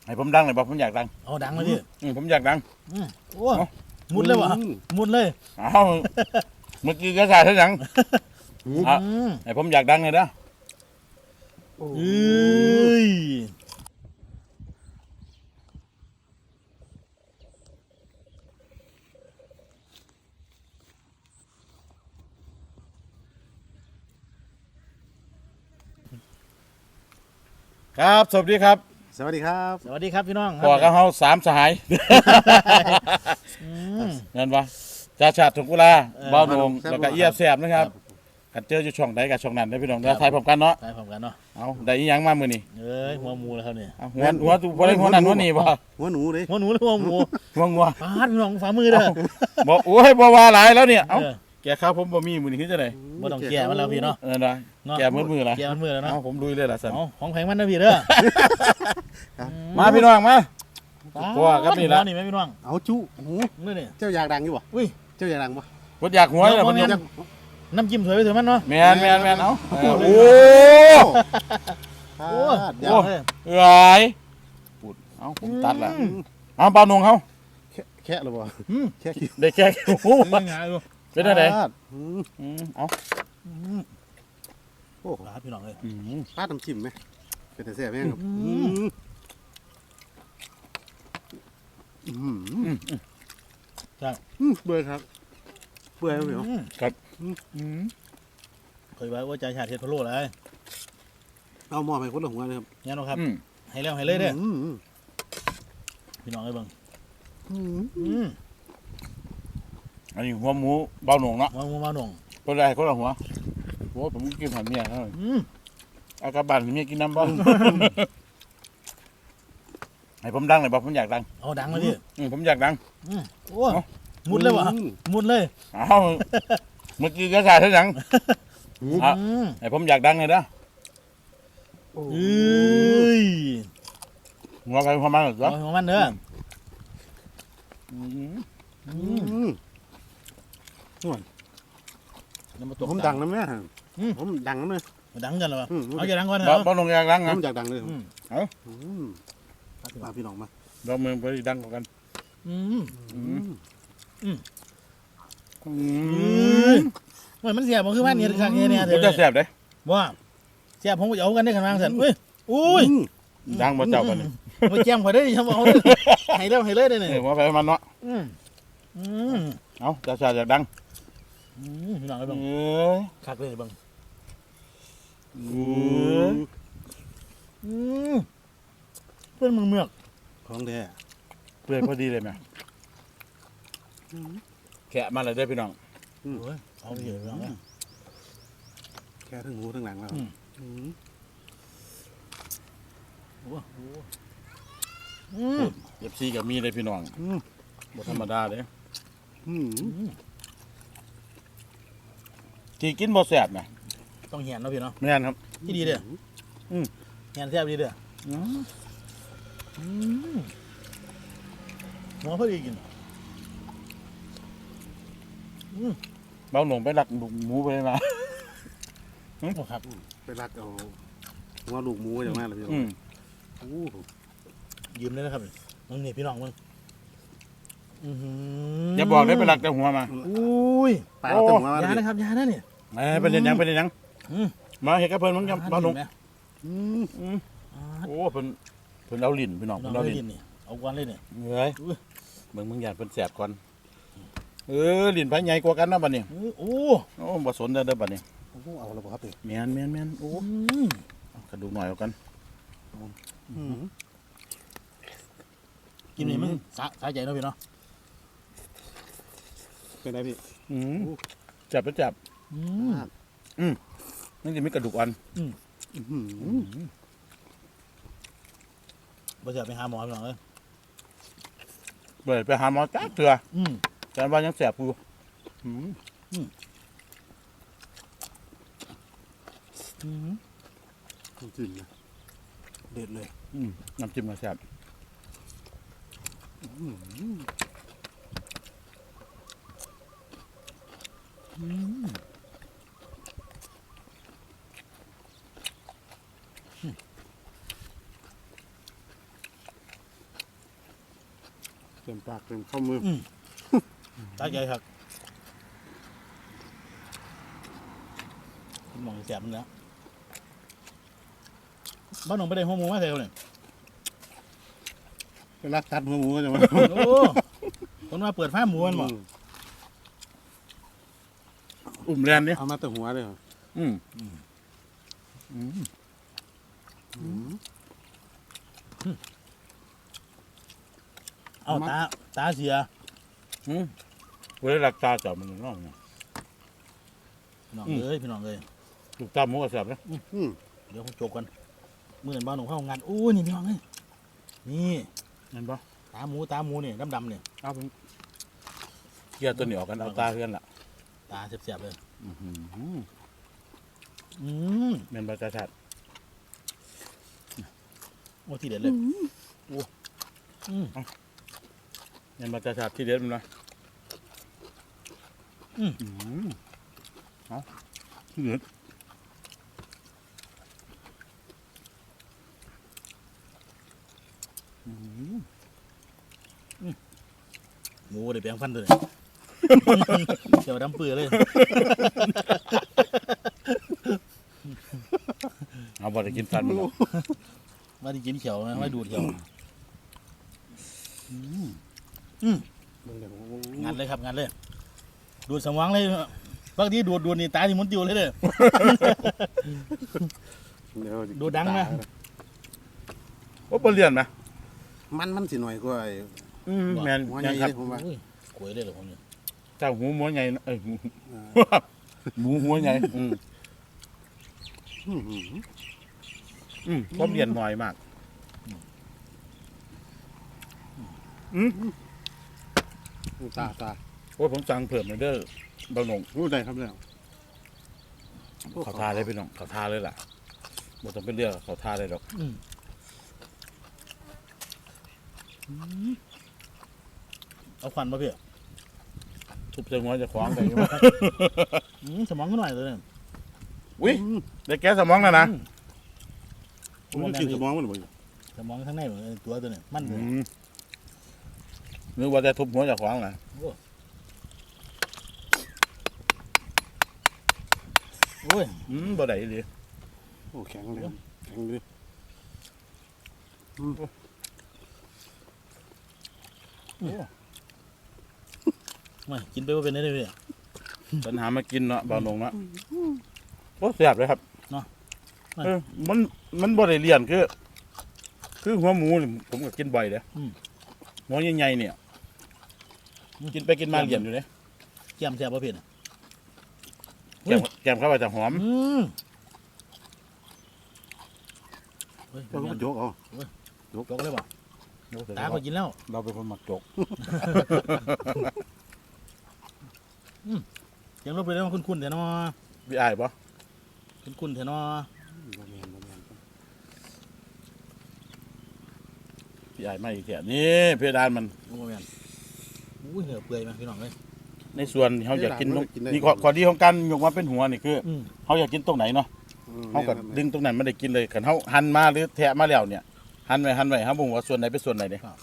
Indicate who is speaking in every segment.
Speaker 1: ให้ผมดังหน่อยบอกผมอยากดัง
Speaker 2: เอาดังเลยพี่
Speaker 1: ผมอยากดัง
Speaker 2: โอ้มุดเลยวะมุดเลย
Speaker 1: เอาเมื่อกี้ก็ใส่ทั้งหนังให้ผมอยากดังเลยนะครับสวัสดีครับ
Speaker 3: สวัสดีครับ
Speaker 2: สวัสดีครับพี่น้อง
Speaker 1: พ่อกับเฮา3 สหายเงินวะจ่าชาติถุงกุลาบ้าวโหนงแล้วก็เอียบแสบนะครับกันเจออยู่ช่องใดกับช่องนั้นได้พี่น้องเราถ่ายพร้อมกันเนาะ
Speaker 2: ถ่ายพร้อมกันเนาะ
Speaker 1: เอาได้อีหยังมามื้อนี้
Speaker 2: หัวหมูแล้วครับเนี่ย
Speaker 1: หัวบ่ได้หัวนั่นหัวนี่บ่
Speaker 3: หัวหนูเลย
Speaker 2: หัวหนูหรือหัวหมู
Speaker 1: หัวงัว
Speaker 2: ฟาดพี่น้องฝ่ามือเด้อ
Speaker 1: บ่โอ้ยบ่ว่าหลายแล้วเนี่ยเอ้าแกข้าวผมบ่มีมื้อนี้คือจังได๋
Speaker 2: บ่ต้องแก่มันแล้วพี่เนาะ
Speaker 1: ได้แกมือละ
Speaker 2: แก่มือแล้วเนาะ
Speaker 1: ผมลุยเลยล่ะซั่น
Speaker 2: ของแพงมันนะพี่เด้อ
Speaker 1: มาพี่น้องมาพวกครับนี่ล่ะ
Speaker 2: นี่แม่พี่น้อง
Speaker 3: เอาจุหู
Speaker 2: นี่
Speaker 3: เจ้าอยากดังอยู่บ่
Speaker 2: อุ้ย
Speaker 3: เจ้าอยากดังบ่
Speaker 1: บ่อยากหัวแล้วมัน
Speaker 2: น้ำจิ้มสวยไปเถอะมันเนาะ
Speaker 1: แม่นเอาโอ้
Speaker 3: เดี๋ยว
Speaker 1: เอ้ยพูดเอาผมตัดละเอาเปล่านงเขา
Speaker 3: แค่หรือบ่แค่คิว
Speaker 1: ได้แค่โอ้เป็นอะไรเอา
Speaker 3: โอ้
Speaker 2: ร้านพี่น้องเลย
Speaker 3: ปลาน้ำจิ้มไหมเป็นแต่แซ่บไหมครับ
Speaker 2: ใช่
Speaker 3: เบื่อครับเบื่อเหรอ
Speaker 1: ครับ
Speaker 2: เคยว่าใจชาติเทศพะโล้เลย
Speaker 3: เอาหม้อไปคนละหัวเลยครับ
Speaker 2: งั้นนะครับให้แล้วให้เลยเด้อพี่น้องเลยบัง
Speaker 1: อันนี้หัวหมูเบาหนงเนาะ
Speaker 2: หัวหมูเบาหนง
Speaker 1: คนใดคนละหัวโอ้ผมกินหันเมียเขาอากาศบ้านเมียกินน้ำบ้างให้ผมดังหน่อยบอกผมอยากดัง
Speaker 2: เอาดังเลยพี่
Speaker 1: ผมอยากดัง
Speaker 2: โอ้มุดเลยวะมุดเลย
Speaker 1: เอาเมื่อกี้ก็ใส่ทั้งหนังให้ผมอยากดังเลยหัวไปหัวมันเหรอ
Speaker 2: หัวมันเด้อ
Speaker 3: ผมดังนะแม่ผมดังนะแม่
Speaker 2: ดังกันเหรอเอาจะดังก่อนเหรอ
Speaker 1: บ้านลงอยากดังนะ
Speaker 3: ผมอยากดังเลย
Speaker 1: เอา
Speaker 3: มาพี่น้องมา
Speaker 1: เราเมืองไปดังกัน
Speaker 2: มันเสียบมันคือว่าเนี่ยครั้งนี้เนี่ย
Speaker 1: ผมจะเสียบเลย
Speaker 2: ว่าเสียบผมจะเอากันได้ขนาดนั้นอุ้ย
Speaker 1: ดังมาเจ้ากัน
Speaker 2: มาแจ้งพอได้ดิฉันบอกเอาให้แล้วให้เลยได้เนี่ย
Speaker 1: ว่าไปมันเนาะเอาจะชาจากดัง
Speaker 2: พี่น้องไอ้บังคักเลยบังเพื่อนมึงเมือก
Speaker 3: ของแท้
Speaker 1: เปื่อยพอดีเลยไหมแกะมาเลยได้พี่น้อง
Speaker 2: เอาไปเยอะแล้ว
Speaker 3: แค่ทั้งหูทั้งหลังแล้ว
Speaker 1: เย็บซีกับมีเลยพี่น้องบธรรมดาเลยที่กินบ่แซ่บนะ
Speaker 2: ต้องเหียนเนาะพี่เนาะ
Speaker 1: ไม่นครับ
Speaker 2: ที่ดีเด้อเหียนแซ่บดีเด้อหมอพอดีกิน
Speaker 1: เบาหลงไปหลักหมูไปมา
Speaker 2: ครับ
Speaker 3: ไปรักเอาหัวลูกหมูอย่างนั้นเลยพี่
Speaker 2: ยืมได้นะครับมึงนี่พี่น้องมึง
Speaker 1: อย่าบอกได้ไปหลักแต่หัวมา
Speaker 2: อุ้ย
Speaker 3: ปลาเต็มหัวย
Speaker 2: านะครับยานะเนี่ย
Speaker 1: เป็นยังมาเห็นกับเพิ่นมั้งเบาหลงโอ้เพิ่นเอาลิ้นพี่น้องเพิ่นเอาลิ้น
Speaker 2: เอาก้อนเลยเนี่ย
Speaker 1: เฮ้ยมึงอยากเป็นแสบก่อนลิ้นไผ่ใหญ่กว่ากันนะบัดนี้
Speaker 2: โอ้
Speaker 1: บ่สนเด้อบัดนี้
Speaker 3: เอาแล้วบ่ครับ
Speaker 1: แม่นโอ้กระดูกหน่อยเอากัน
Speaker 2: กินนี่มึงสาใจเนาะพี่เนาะ
Speaker 3: เป็นไรพี่
Speaker 1: จับนั่นจะมีกระดูกอ่อน
Speaker 2: บ่จะไปหาหมอพี่น้องเลย
Speaker 1: ไปหาหมอจ้าเถื่อแต่ว่ายังแสบอยู่
Speaker 3: จิ้มนะเด็ดเลย
Speaker 1: น้ำจิ้มมาแสบ
Speaker 3: เต็มปากเต็มข้อมือ
Speaker 2: ตาใจครับมองแสบมันแล้วบ้านหนองไปได้หัวหมูมาใส่เขาเนี่ย
Speaker 3: ไปรักตัดหัวหมูก็จะมา
Speaker 2: โอ้คนมาเปิดฟ้าหมูมันบ่
Speaker 1: อุ่มแรนเนี่ย
Speaker 3: เอามาแต่หัวเลยเหรอ
Speaker 1: อืม
Speaker 2: เอาตาเสีย
Speaker 1: เวลาหลักตาจับมันน้องเนี่ย
Speaker 2: พี่น้องเลยพี่น้องเลย
Speaker 1: ถูกตามหมูกระสับนะ
Speaker 2: เดี๋ยวผมจบกันเมื่อเห็นบ้านหนองเข้างานอู้นี่พี่น้องเลยนี่
Speaker 1: เห็นปะ
Speaker 2: ตาหมูเนี่ยดำๆเนี่ย
Speaker 1: เอาผมเกียร์ตัวนี้ออกกันเอาตาเพื่อนล่ะ
Speaker 2: ตาเสียบๆเลย
Speaker 1: อืม เมนบาจาชัด
Speaker 2: โอ้ทีเด็ดเลยโอ้
Speaker 1: เมนบาจาชัดที่เด็ดมันนะเอาที่เด็ด
Speaker 2: หมูเดี๋ยวแปลงฟันเลยเดี๋ยวดำเปื่อยเลย
Speaker 1: เอาบอลกินฟันมัน
Speaker 2: มาที่กินเขียวนะไม่ดูดเขียว งานเลยครับงานเลย ดูดสมองเลยบางทีดูดนี่ตาที่มุนติวเลยเด้อ ดูดังนะ
Speaker 1: โอ้เปลี่ยนไหม
Speaker 3: มันสิหน่อยกว่าไอ้
Speaker 1: แมน
Speaker 3: หัว
Speaker 1: แม
Speaker 3: ใหญ่
Speaker 1: นครับ
Speaker 3: ผมว่า
Speaker 2: กล้วยเลยเหรอผมเนี่ย
Speaker 1: เจ้าหูหัวใหญ่เอ้ยหมูหัวใหญ่ผมเรียนหน่อยมาก
Speaker 3: ตา
Speaker 1: โอ้ยผมสั่งเพิ่มเลยเด้อเบาหนง
Speaker 3: รู้ได้ครับแล้ว
Speaker 1: เขาทาเลยพี่น้องเขาทาเลยล่ะบ่ต้องเป็นเรื่องเขาทาเลยดอก
Speaker 2: เอาควันมาเพี่อ
Speaker 1: ทุบเชิงหัวจะคว้างไปอยู่
Speaker 2: สมองก็หน่อยเลยเนี่ย
Speaker 1: อุ้ยได้แก้สมองแล้วนะ
Speaker 3: มันกินสมองมันบ่อยู่
Speaker 2: สมองข้างในเหมือนตัวตัวเนี่ยมันเลย
Speaker 1: นึกว่าจะทุบหัวจะคว้างนะ
Speaker 2: โอ้ย
Speaker 1: บ่ได้เลย
Speaker 3: โอ้แข็งเลยแข็งเลย
Speaker 2: ไม่กินไปว่าเป็นได้เลยพี่
Speaker 1: ปัญหามากินเนาะเบาหนงเนาะโอ้เสียบเลยครับ
Speaker 2: เนาะ
Speaker 1: มันบ่ได้เลี่ยนคือหัวหมูนี่ผมก็กินบ่อยเด้อหัวใหญ่ๆเนี่ยกินไปกินมาเลี่ยนอยู่เลย
Speaker 2: แก้มแซ่บป่ะพี่เนี่ย
Speaker 1: แกมเข้าไปจะหอม
Speaker 2: เฮ้ย
Speaker 3: ก็มาโจกเอา
Speaker 2: จกเลยป่ะตาก็กินแล้ว
Speaker 1: เราเป็นคนหมักจก
Speaker 2: ยังลบไปแล้วคุ้นๆเถอะเนาะ
Speaker 1: พี่อายปะ
Speaker 2: คุ้นๆเถอะเนาะ
Speaker 3: บ่แม่น
Speaker 1: พี่อายไม่อีกแค่นี่เพดานมัน
Speaker 2: โอ้แม่นอุ้ยเหนือเปื่อยมาพี่น้องเลย
Speaker 1: ในส่วนที่เขาอยากกินนี่ข้อดีของการยกมาเป็นหัวนี่คือเขาอยากกินตรงไหนเนาะเขาก็ดึงตรงไหนไม่ได้กินเลยขันเขาหั่นมาหรือแทะมาแล้วเนี่ยหั่นไว้เขาบอกว่าส่วนไหนเป็นส่วนไหนเนี่ย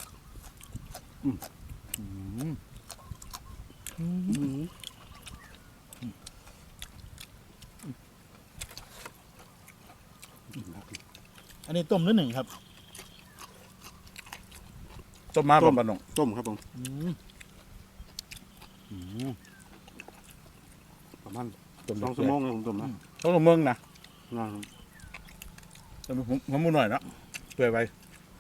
Speaker 2: อันนี้ต้มนิดหนึ่งครับ
Speaker 1: ต้มมาบ่ปะน้อง
Speaker 3: ต้มครับผมประมาณ
Speaker 1: ต้ม
Speaker 3: 2 ชั่วโมงนะผมต้มนะ
Speaker 1: ต้องลงเมืองนะ
Speaker 3: นะ
Speaker 1: ผมมูหน่อยเนาะเปื่อยไป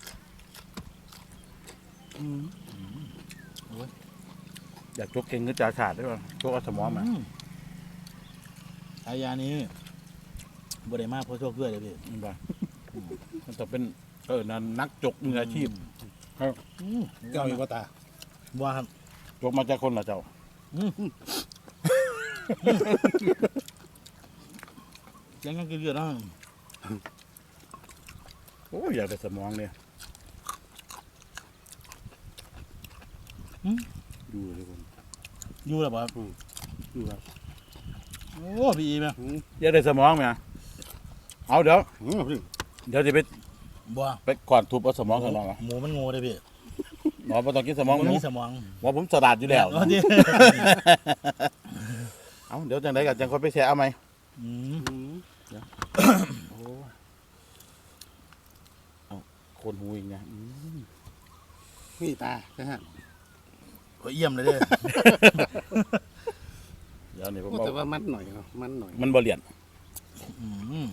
Speaker 1: อยากจกเก่งก็จ่าขาดได้ป่ะจกเอาสมองมา
Speaker 2: ฉายานี้บริมาเพราะโชคด้วยเลยพี่
Speaker 1: มันบ่มันต้องเป็นนั่นนักจกมืออาชีพ
Speaker 3: เจ้าอีกว่าตา
Speaker 2: ว่าครับ
Speaker 1: จกมาจากคนละเจ้า
Speaker 2: ยังกินเยอะนะ
Speaker 1: โอ้ยอยากได้สมองเนี่ย
Speaker 3: ดูเลยผม
Speaker 2: อยู่แล้วบ่ครับ
Speaker 3: ดูครับ
Speaker 2: โอ้พี่อีไหม
Speaker 1: อยากได้สมองไหมเอาเดี๋ยว
Speaker 3: พี่
Speaker 1: เดี๋ยวจะไป
Speaker 2: บ่
Speaker 1: ก่อนทุบเอาสมองข้างนอกอ่ะ
Speaker 2: หมูมันโง่เลยพี่
Speaker 1: หมอบ่ต้องกินสมองห
Speaker 2: มัน
Speaker 1: มู
Speaker 2: มีสมอง
Speaker 1: หมอผมสลัดอยู่แล้ว
Speaker 2: เอาดิ
Speaker 1: เอาเดี๋ยวจังไดก็จังค่อยไปแช่เอาไหม
Speaker 2: อืม
Speaker 1: โอ้เอาคนหูอีกนะม
Speaker 3: นี่ตานะฮะ
Speaker 2: โอ้ยเยี่ยมเลยเด้อ
Speaker 1: เดี๋ยวนี่ผม
Speaker 3: แต่
Speaker 1: เอา
Speaker 3: ว่ามันหน่อยเนาะมันหน่อย
Speaker 1: มันบ่เลียน
Speaker 2: อืม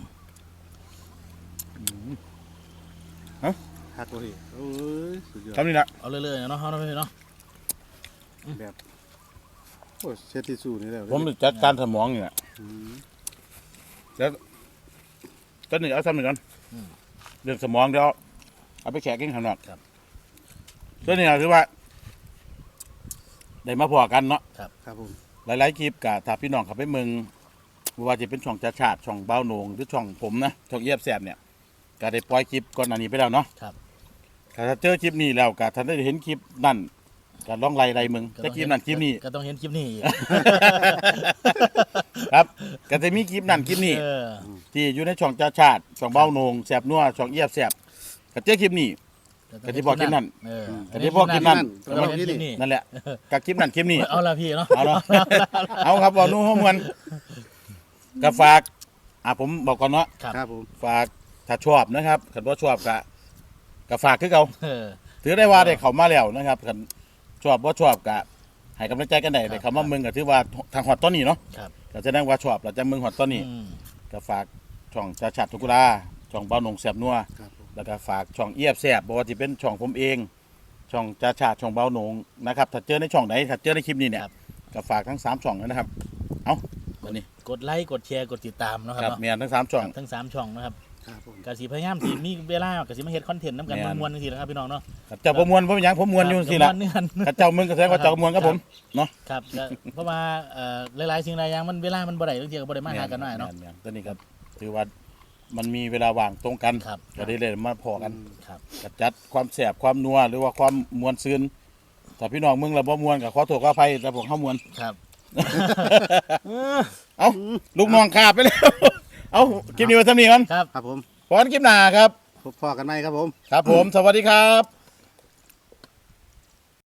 Speaker 3: ฮักเลยโอ้ยสุดยอด
Speaker 1: ทำนี่ละ
Speaker 2: เอาเรื่อยๆเนาะเอาเนาะพี่เนาะ
Speaker 3: แบบโอ้เช็ดที่สู้นี่แล้ว
Speaker 1: ผมจัดการสมองนี่แหละ
Speaker 3: อืม
Speaker 1: ก็หนึ่งเอาซ้ำหนึ่งก่อนเรื่องสมองเดี๋ยวเอาไปแขกกินข้างนอกก็นี่คือว่าได้มาพอกันเนาะ
Speaker 3: ครับผม
Speaker 1: หลายๆคลิปกับถ้าพี่น้องเขาไปเมืองบ่ว่าจะเป็นช่องจ่าชาติช่องเบ้าโหนงหรือช่องผมนะช่องเยียบแสบเนี่ยก็ได้ปล่อยคลิปก่อนอันนี้ไปแล้วเนาะถ้าเจอคลิปนี้แล้วก็ถ้าได้เห็นคลิปนั่นก็ลองไล่มึงแต่คลิปนั้นคลิปนี้
Speaker 2: ก็ต้องเห็นคลิปนี้อีก
Speaker 1: ครับก็จะมีคลิปนั่นคลิปนี้
Speaker 2: เออ
Speaker 1: ที่อยู่ในช่องจ่าชาติช่องเบ้าโหนงแสบนัวช่องเยียบแสบก็เจอคลิปนี้ ก็ที่บอกคลิปนั้น
Speaker 2: เออ
Speaker 1: ก็ที่บอกคลิปนั้น
Speaker 2: ก็ต้องเห็นคลิปนี้
Speaker 1: นั่นแหละกับคลิปนั้นคลิปนี้
Speaker 2: เอาละพี่เนาะ
Speaker 1: เอาเนาะ เอาครับบอกนู่นห้องมันก็ฝากผมบอกก่อนเนาะ
Speaker 3: ครับผม
Speaker 1: ฝากถ้าชอบนะครับขันว่าชอบก็ฝากคือเขา
Speaker 2: เออ
Speaker 1: ถือได้ว่าได้เขามาแล้วนะครับขันชอบว่าชอบก็ให้กำลังใจกันได้
Speaker 2: ครับ
Speaker 1: ได้เขามาเมืองก็ถือว่าทางหอดต้นนี้เนาะ
Speaker 2: ครับ
Speaker 1: ก็จะนั่งว่าชอบเราจะเมืองหอดต้นนี้
Speaker 2: อืม
Speaker 1: ก็ฝากช่องจ่าชัดทุกุลาช่องเบ้าหนงแสบนัว
Speaker 3: ครับผม
Speaker 1: แล้วก็ฝากช่องเอียบแสบบอกว่าจะเป็นช่องผมเอง ช่องจ่าชัดช่องเบ้าหนงนะครับถ้าเจอในช่องไหนถ้าเจอในคลิปนี้เนี่ยก็ฝากทั้ง3ช่องนะครับ เอาวันนี้
Speaker 2: กดไลค์กดแชร์กดติดตามเนาะค
Speaker 1: ค
Speaker 2: รั
Speaker 1: รั
Speaker 2: บบ เนาะ
Speaker 1: เมียทั้ง3ช่อง
Speaker 2: ทั้ง3ช่องนะครับ
Speaker 3: ครับผม
Speaker 2: กสิพยายามสิมีเวลากสิมาเฮ็ดคอนเทนต์นํกัน
Speaker 1: แม่น
Speaker 2: มวนๆจังซี่นะครับพี่น้องเนาะ
Speaker 1: เจ้าประมวลผมยังผมมวลอยู่สิละ
Speaker 2: ม่วนนี่กัน
Speaker 1: ข้าเจ้ามึงก็แสดงว่าเจ้าประมวลครับผมเนาะ
Speaker 2: ครับก็เพราะว่าหลายๆสิ่งหลายอย่างมันเวลามันบ่ได้บางทีก็บ่ได้มาหากันหน่อยเนาะ
Speaker 1: แม่ตอนนี้ก็ถือว่ามันมีเวลาว่างตรงกัน
Speaker 2: ครับ
Speaker 1: ก็ได้เลยมาพอกัน
Speaker 2: ครับ
Speaker 1: ก็จัดความแสบความนัวหรือว่าความมวลซืนถ้าพี่น้องมึงเราบ่มวลก็ขอโทษขออภัยแต่ผมเข้ามวล
Speaker 2: ครับ
Speaker 1: เอ้าลูกน้องขาดไปแล้ว เอ้าคลิปนี้ไว้เท่านี้กัน
Speaker 2: ครับ
Speaker 3: ครับผม
Speaker 1: พรคลิปหน้าครับ
Speaker 3: พบพอกันไหมครับผม
Speaker 1: ครับผม สวัสดีครับ